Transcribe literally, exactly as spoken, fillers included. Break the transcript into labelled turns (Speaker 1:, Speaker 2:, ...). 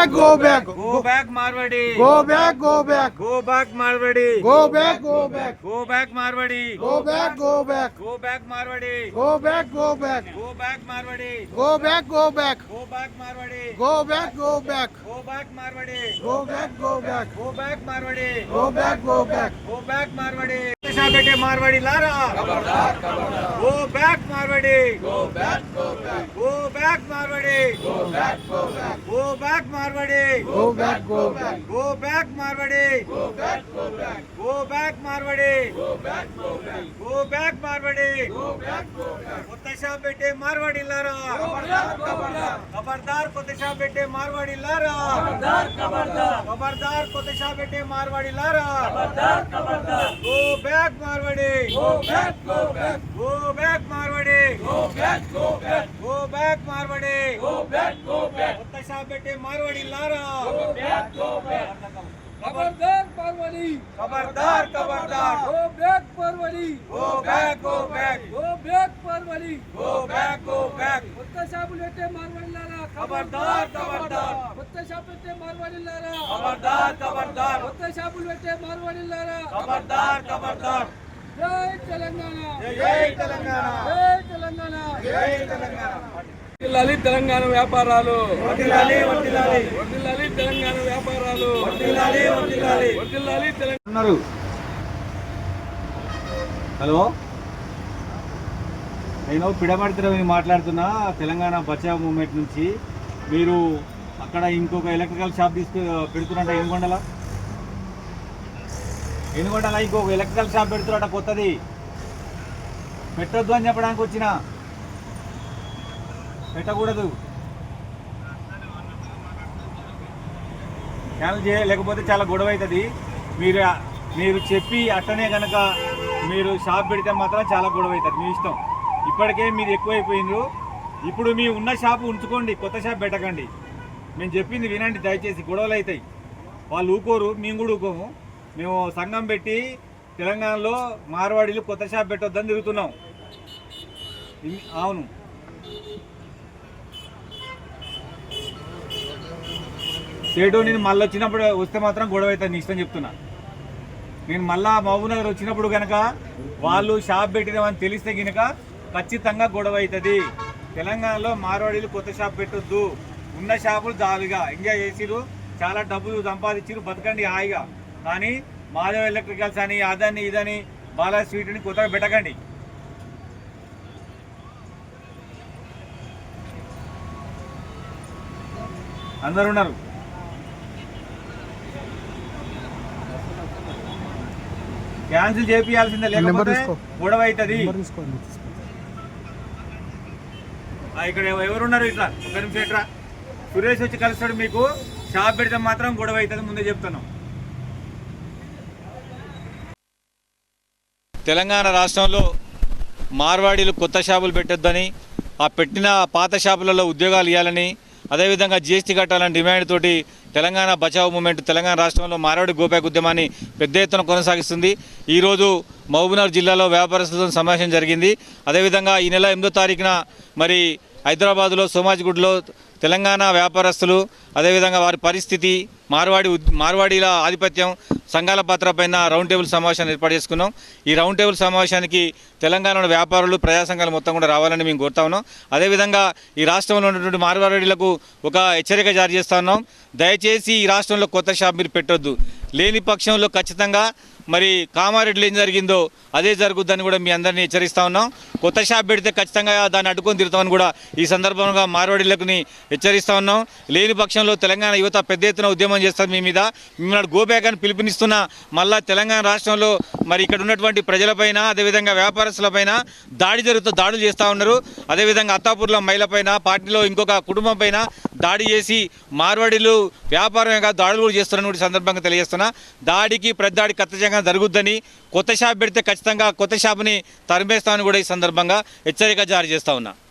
Speaker 1: back, go back.
Speaker 2: Go back Marwadi.
Speaker 1: Go back, go back.
Speaker 2: Go back Marwadi.
Speaker 1: Go back, go back.
Speaker 2: Go back Marwadi.
Speaker 1: Go back, go back.
Speaker 2: Go back Marwadi.
Speaker 1: Go back, go back.
Speaker 2: Go back Marwadi.
Speaker 1: Go back, go back.
Speaker 2: Go back Marwadi.
Speaker 1: Go back, go back.
Speaker 2: Go back Marwadi.
Speaker 1: Go back, go back.
Speaker 2: Go back Marwadi.
Speaker 1: Go back, go back.
Speaker 2: Go back Marwadi. Pesha bete Marwadi lara.
Speaker 1: Kabardar, kabardar.
Speaker 2: Go back Marwadi.
Speaker 1: Go back, go back.
Speaker 2: Go back Marwadi.
Speaker 1: Go back, go back.
Speaker 2: Go back Marwadi.
Speaker 1: Go back, go back.
Speaker 2: Go back Marwadi.
Speaker 1: Go back, go back.
Speaker 2: Go back Marwadi.
Speaker 1: Go back, go back.
Speaker 2: Go back Marwadi.
Speaker 1: Go back, go back.
Speaker 2: Kotasha bete Marwadi lara.
Speaker 1: Kabardar, kabardar.
Speaker 2: Kabardar Kotasha bete Marwadi lara.
Speaker 1: Kabardar, kabardar.
Speaker 2: Kabardar Kotasha bete Marwadi lara.
Speaker 1: Kabardar, kabardar.
Speaker 2: Go back Marwadi.
Speaker 1: Go back, go back.
Speaker 2: Go back Marwadi.
Speaker 1: Go back, go back.
Speaker 2: Go back Marwadi.
Speaker 1: Go back, go back.
Speaker 2: Kotasha bete Marwadi lara.
Speaker 1: Go back, go back.
Speaker 3: खबरदार परवड़ी
Speaker 2: खबरदार खबरदार
Speaker 3: go back परवड़ी
Speaker 2: go back go back
Speaker 3: go back परवड़ी
Speaker 2: go back go back
Speaker 3: కొత్త షాపులు పెట్టే మార్వాడిలారా
Speaker 2: खबरदार खबरदार
Speaker 3: కొత్త షాపు పెట్టే మార్వాడిలారా
Speaker 2: खबरदार खबरदार
Speaker 3: కొత్త షాపులు పెట్టే మార్వాడిలారా
Speaker 2: खबरदार खबरदार
Speaker 3: జై తెలంగాణ
Speaker 2: जय तेलंगाना
Speaker 3: జై తెలంగాణ
Speaker 2: जय तेलंगाना
Speaker 3: వర్ధిల్లాలి తెలంగాణ వ్యాపారాలు
Speaker 2: వర్ధిల్లాలి వర్ధిల్లాలి
Speaker 3: వర్ధిల్లాలి తెలంగాణ వ్యాపారాలు
Speaker 2: వర్ధిల్లాలి వర్ధిల్లాలి
Speaker 3: వర్ధిల్లాలి తెలంగాణ
Speaker 2: ఉన్నారు హలో నేను పిడమర్తిరవి మాట్లాడుతున్నా తెలంగాణ బచావ్ మూవ్మెంట్ నుంచి మీరు అక్కడ ఇంకొక ఎలక్ట్రికల్ షాప్ తీసుకు పెడుతున్నట్ట ఏనుగొండల ఏనుగొండల ఇంకొక ఎలక్ట్రికల్ షాప్ పెడుతున్నట్ట కొత్తది పెట్టొద్దు అని చెప్పడానికి వచ్చిన పెట్టకూడదు క్యాన్సిల్ చేయ లేకపోతే చాలా గొడవ అవుతుంది మీరు మీరు చెప్పి అట్టనే కనుక మీరు షాప్ పెడితే మాత్రం చాలా గొడవ అవుతుంది మీ ఇష్టం ఇప్పటికే మీరు ఎక్కువైపోయినారు ఇప్పుడు మీ ఉన్న షాపు ఉంచుకోండి కొత్త షాప్ పెట్టకండి మేము చెప్పింది వినండి దయచేసి గొడవలు అవుతాయి వాళ్ళు ఊకోరు మేము కూడా ఊకోము మేము సంఘం పెట్టి తెలంగాణలో మార్వాడీలు కొత్త షాప్ పెట్టొద్దని తిరుగుతున్నాం అవును సేటు నేను మళ్ళీ వచ్చినప్పుడు వస్తే మాత్రం గొడవ అవుతుంది నీ ఇష్టం చెప్తున్నా నేను మళ్ళా మహబూబ్ నగర్ వచ్చినప్పుడు కనుక వాళ్ళు షాప్ పెట్టినామని తెలిస్తే కనుక ఖచ్చితంగా గొడవ అవుతుంది తెలంగాణలో మార్వాడీలు కొత్త షాప్ పెట్టొద్దు ఉన్న షాపులు జాలీగా ఎంజాయ్ చేసిరు చాలా డబ్బులు సంపాదించారు బతకండి హాయిగా కానీ మాధవ్ ఎలక్ట్రికల్స్ అని అదని ఇదని బాలా స్వీట్ని కొత్తగా పెట్టకండి అందరు ఉన్నారు క్యాన్సిల్ చేపియాల్సిందే లేకపోతే గొడవ అవుతుంది ఇక్కడ ఎవరున్నారు ఇట్లా ఒక నిమిషం ఇట్లా సురేష్ వచ్చి కలుస్తాడు మీకు షాప్ పెడితే మాత్రం గొడవ అవుతుంది ముందే చెప్తున్నాం తెలంగాణ రాష్ట్రంలో మార్వాడీలు కొత్త షాపులు పెట్టొద్దని ఆ పెట్టిన పాత షాపులలో ఉద్యోగాలు ఇవ్వాలని అదేవిధంగా జీఎస్టీ కట్టాలని డిమాండ్ తోటి తెలంగాణ బచావ్ మూవ్మెంట్ తెలంగాణ రాష్ట్రంలో మార్వాడి గోబ్యాక్ ఉద్యమాన్ని పెద్ద ఎత్తున కొనసాగిస్తుంది ఈరోజు మహబూబ్నగర్ జిల్లాలో వ్యాపారస్తులతో సమావేశం జరిగింది అదేవిధంగా ఈ నెల ఎనిమిదో తారీఖున మరి హైదరాబాద్లో సోమాజిగూడలో తెలంగాణ వ్యాపారస్తులు అదేవిధంగా వారి పరిస్థితి మార్వాడి మార్వాడీల ఆధిపత్యం సంఘాల పాత్ర పైన రౌండ్ టేబుల్ సమావేశాన్ని ఏర్పాటు చేసుకున్నాం ఈ రౌండ్ టేబుల్ సమావేశానికి తెలంగాణలో వ్యాపారులు ప్రజా సంఘాలు మొత్తం కూడా రావాలని మేము కోరుతా ఉన్నాం అదేవిధంగా ఈ రాష్ట్రంలో ఉన్నటువంటి మార్వాడీలకు ఒక హెచ్చరిక జారీ చేస్తా ఉన్నాం దయచేసి ఈ రాష్ట్రంలో కొత్త షాప్ మీరు పెట్టొద్దు లేని పక్షంలో ఖచ్చితంగా మరి కామారెడ్డిలో ఏం జరిగిందో అదే జరుగుద్దని కూడా మీ అందరినీ హెచ్చరిస్తా ఉన్నాం కొత్త షాప్ పెడితే ఖచ్చితంగా దాన్ని అడ్డుకొని తిరుగుతామని కూడా ఈ సందర్భంగా మార్వాడీలకు హెచ్చరిస్తా ఉన్నాం లేని పక్షంలో తెలంగాణ యువత పెద్ద ఎత్తున ఉద్యమం చేస్తారు మీ మీద మిమ్మల్ని గోబ్యాక్ అని పిలుపునిస్తున్న మళ్ళా తెలంగాణ రాష్ట్రంలో మరి ఇక్కడ ఉన్నటువంటి ప్రజలపైన అదేవిధంగా వ్యాపారస్తులపైన దాడి జరుగుతూ దాడులు చేస్తూ ఉన్నారు అదేవిధంగా అత్తాపూర్లో మహిళపైన పార్టీలో ఇంకొక కుటుంబం పైన దాడి చేసి మార్వాడీలు వ్యాపారంగా దాడులు కూడా చేస్తున్నారని కూడా సందర్భంగా తెలియజేస్తున్నా దాడికి ప్రతిదాడి ఖచ్చితంగా జరుగుద్దని కొత్త షాప్ పెడితే ఖచ్చితంగా కొత్త షాపుని తరిమేస్తామని కూడా ఈ సందర్భంగా హెచ్చరిక జారీ చేస్తా ఉన్నా.